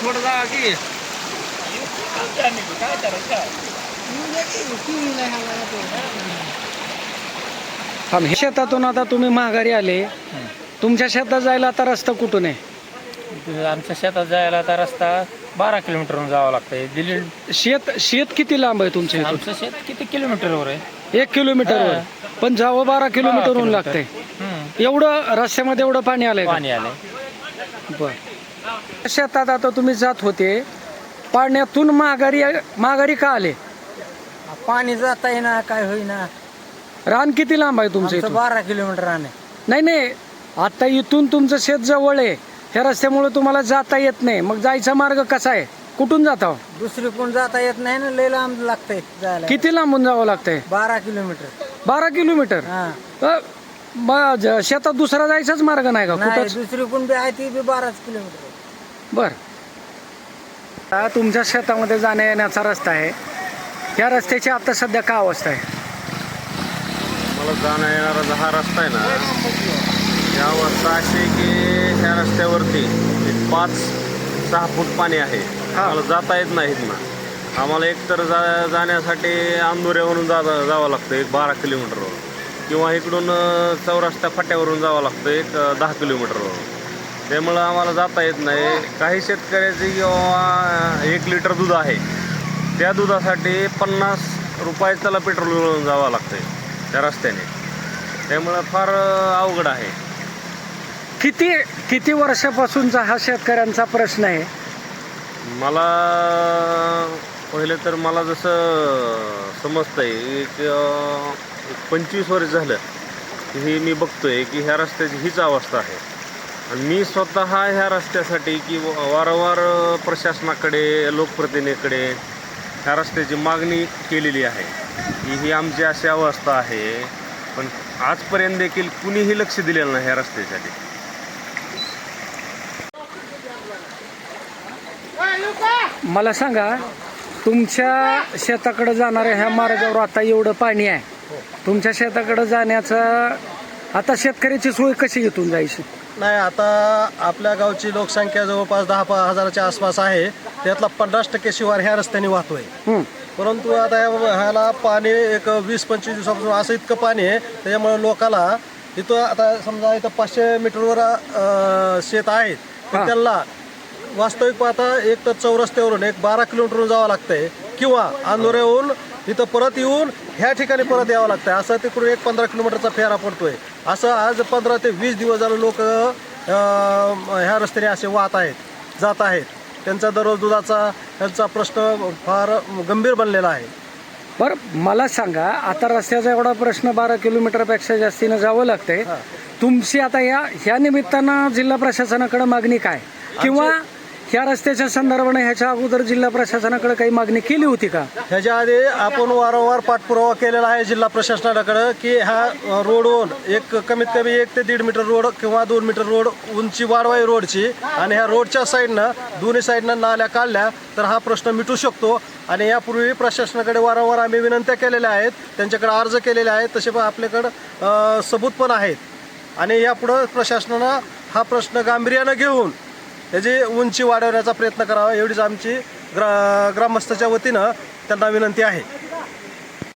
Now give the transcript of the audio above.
थोडं जावा की शेतातून आता तुम्ही माघारी आले, तुमच्या शेतात जायला आता रस्ता कुठून आहे? आमच्या शेतात जायला आता रस्ता 12 किलोमीटरवरून जावं लागतंय. दिल्ली शेत किती लांब आहे तुमच्या इथून? आमचं शेत किती किलोमीटरवर आहे? 1 किलोमीटरवर, पण जावं 12 किलोमीटरहून लागतंय. एवढं रस्त्यामध्ये एवढं पाणी आलंय? पाणी आलंय. बर. शेतात आता तुम्ही जात होते, पाण्यातून माघारी का आले? पाणी जाता येईना, काय होईना. रान किती लांब आहे तुमचं आमचं इथून? 12 किलोमीटर रान आहे. नाही, आता इथून तुमचं शेत जवळ आहे, ह्या रस्त्यामुळे तुम्हाला जाता येत नाही, मग जायचा मार्ग कसा आहे? कुठून जाता? दुसरी कोण जाता येत नाही ना, लय लांब लागतंय जायला. किती लांबून जावं लागतंय? 12 किलोमीटर. 12 किलोमीटर? शेतात दुसरा जायचाच मार्ग नाही का नाही, कुठंच? दुसरी कोण बी आहे ती बी 12 किलोमीटर. बर. तुमच्या शेतामध्ये जाण्या येण्याचा रस्ता आहे, या रस्त्याची आता सध्या काय अवस्था आहे? मला जाणं येणारा हा रस्ता आहे ना, या अवस्था अशी आहे की ह्या रस्त्यावरती 5-6 फूट पाणी आहे. आम्हाला जाता येत नाहीत ना. आम्हाला एकतर जाण्यासाठी अंदुऱ्यावरून जावं लागतं 12 किलोमीटरवर, किंवा इकडून चौरस्त्या फाट्यावरून जावं लागतं 10 किलोमीटरवर. त्यामुळं आम्हाला जाता येत नाही. काही शेतकऱ्याची किंवा 1 लिटर दूध आहे, त्या दुधासाठी 50 रुपये त्याला पेट्रोल जावं लागतंय त्या रस्त्याने. त्यामुळं फार अवघड आहे. किती वर्षापासूनचा हा शेतकऱ्यांचा प्रश्न आहे? मला पहिले तर मला जसं समजतंय एक 25 वर्ष झालं हे मी बघतोय की ह्या रस्त्याची हीच अवस्था आहे. आणि मी स्वतः ह्या रस्त्यासाठी की वारंवार प्रशासनाकडे, लोकप्रतिनिधीकडे ह्या रस्त्याची मागणी केलेली आहे की ही आमची अशी अवस्था आहे, पण आजपर्यंत देखील कुणीही लक्ष दिलेलं नाही ह्या रस्त्यासाठी. मला सांगा, तुमच्या शेताकडे जाणाऱ्या ह्या मार्गावर आता एवढं पाणी आहे, तुमच्या शेताकडे जाण्याचं आता शेतकऱ्याची सोय कशी इथून जायची? नाही, आता आपल्या गावची लोकसंख्या जवळपास 10,000च्या आसपास आहे. त्यातला 50% शिवार ह्या रस्त्याने वाहतोय. परंतु आता ह्याला पाणी एक 20-25 दिवसापासून असं इतकं पाणी आहे, त्याच्यामुळे लोकाला इथं आता समजा इथं 500 मीटरवर शेत आहेत, तर त्यांना वास्तविक पाहता एक तर चौरस्त्यावरून 12 किलोमीटरवरून जावं लागतंय, किंवा अंदोऱ्याहून इथं परत येऊन ह्या ठिकाणी परत यावं लागतंय. असं तिकडून 15 किलोमीटरचा फेरा पडतोय. असं आज 15 ते 20 दिवस झालं लोक ह्या रस्त्याने असे वाहत आहेत, जात आहेत. त्यांचा दररोज दुधाचा त्यांचा प्रश्न फार गंभीर बनलेला आहे. बरं, मला सांगा, आता रस्त्याचा एवढा प्रश्न 12 किलोमीटरपेक्षा जास्तीनं जावं लागतंय. तुमची आता ह्या निमित्तानं जिल्हा प्रशासनाकडे मागणी काय, किंवा ह्या रस्त्याच्या संदर्भाने ह्याच्या अगोदर जिल्हा प्रशासनाकडे काही मागणी केली होती का? ह्याच्या आधी आपण वारंवार पाठपुरावा केलेला आहे जिल्हा प्रशासनाकडे की ह्या रोडवरून एक कमीत कमी 1 ते 1.5 मीटर रोड किंवा 2 मीटर रोड उंची वाढवाई रोडची, आणि ह्या रोडच्या साईडनं दोन्ही साईडनं नाल्या काढल्या तर हा प्रश्न मिटू शकतो. आणि यापूर्वी प्रशासनाकडे वारंवार आम्ही विनंत्या केलेल्या आहेत, त्यांच्याकडे अर्ज केलेले आहेत, तसे पण आपल्याकडं सबूत पण आहेत. आणि यापुढं प्रशासनानं हा प्रश्न गांभीर्यानं घेऊन त्याची उंची वाढवण्याचा प्रयत्न करावा, एवढीच आमची ग्रामस्थाच्या वतीनं त्यांना विनंती आहे.